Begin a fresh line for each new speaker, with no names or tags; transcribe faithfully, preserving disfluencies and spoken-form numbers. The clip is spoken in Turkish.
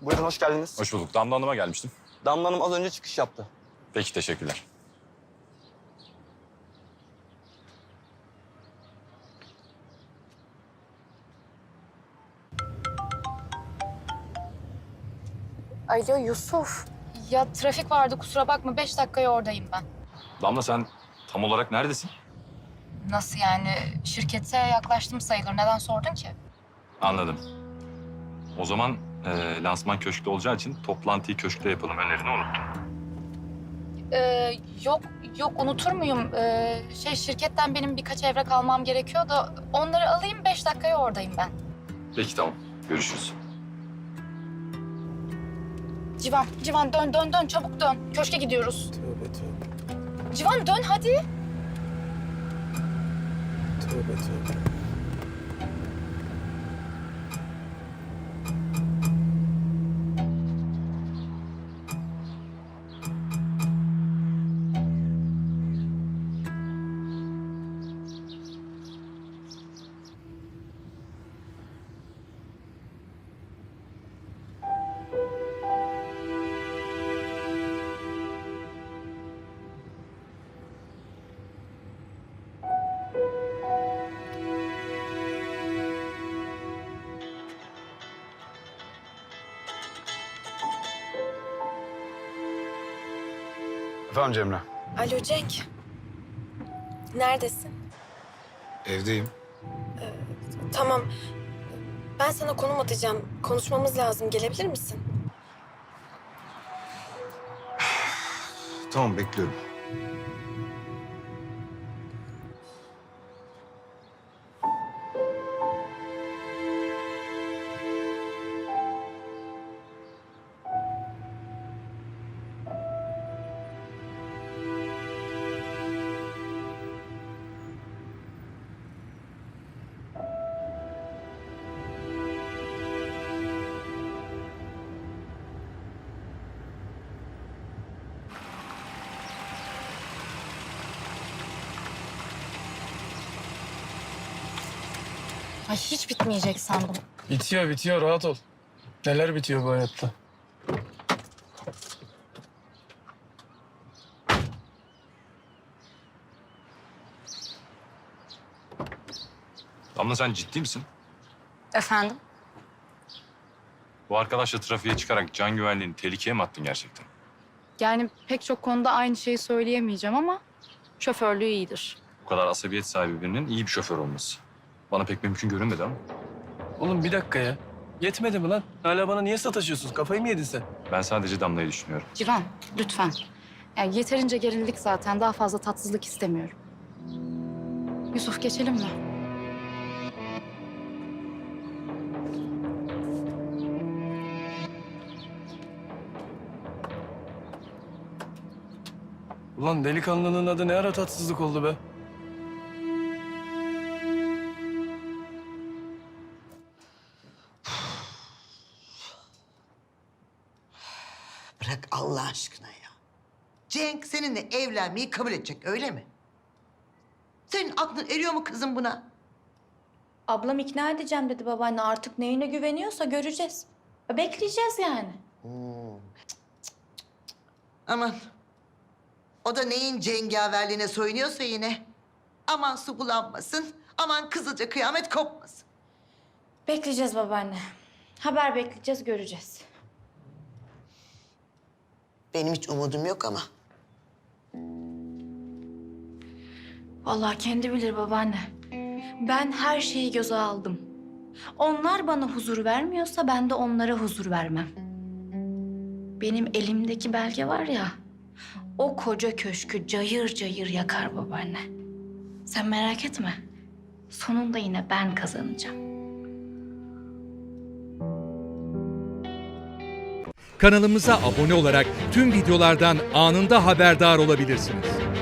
Buyurun, hoş geldiniz.
Hoş bulduk. Damla Hanım'a gelmiştim.
Damla Hanım az önce çıkış yaptı.
Peki, teşekkürler.
Alo Yusuf. Ya trafik vardı kusura bakma. Beş dakikaya oradayım ben.
Damla, sen tam olarak neredesin?
Nasıl yani? Şirkete yaklaştım sayılır. Neden sordun ki?
Anladım. O zaman e, lansman köşkte olacağı için toplantıyı köşkte yapalım. Önerini unuttum.
Ee, yok yok unutur muyum? Ee, şey şirketten benim birkaç evrak almam gerekiyor da onları alayım. Beş dakikaya oradayım ben.
Peki, tamam. Görüşürüz.
Civan, Civan dön dön dön çabuk dön. Köşke gidiyoruz.
Tövbe tövbe.
Civan dön hadi.
Tövbe tövbe.
Efendim Cemre?
Alo Cenk. Neredesin?
Evdeyim.
Tamam. Ben sana konum atacağım. Konuşmamız lazım. Gelebilir misin?
Tamam, bekliyorum.
Ay hiç bitmeyecek sandım.
Bitiyor bitiyor rahat ol. Neler bitiyor bu hayatta?
Damla, sen ciddi misin?
Efendim?
Bu arkadaşla trafiğe çıkarak can güvenliğini tehlikeye mi attın gerçekten?
Yani pek çok konuda aynı şeyi söyleyemeyeceğim ama şoförlüğü iyidir.
Bu kadar asabiyet sahibi birinin iyi bir şoför olması. Bana pek mümkün görünmedi ama.
Oğlum bir dakika ya. Yetmedi mi lan? Hala bana niye sataşıyorsun? Kafayı mı yedin sen?
Ben sadece Damla'yı düşünüyorum.
Civan lütfen. Yani yeterince gerildik zaten. Daha fazla tatsızlık istemiyorum. Yusuf geçelim mi?
Ulan delikanlının adı ne ara tatsızlık oldu be?
Bırak Allah aşkına ya. Cenk seninle evlenmeyi kabul edecek, öyle mi? Senin aklın eriyor mu kızım buna?
Ablam ikna edeceğim dedi babaanne. Artık neyine güveniyorsa göreceğiz. Bekleyeceğiz yani.
Aman. O da neyin cengaverliğine soyunuyorsa yine. Aman su bulanmasın, aman kızılca kıyamet kopmasın.
Bekleyeceğiz babaanne. Haber bekleyeceğiz, göreceğiz.
Benim hiç umudum yok ama.
Vallahi kendi bilir babaanne. Ben her şeyi göze aldım. Onlar bana huzur vermiyorsa ben de onlara huzur vermem. Benim elimdeki belge var ya, o koca köşkü cayır cayır yakar babaanne. Sen merak etme. Sonunda yine ben kazanacağım.
Kanalımıza abone olarak tüm videolardan anında haberdar olabilirsiniz.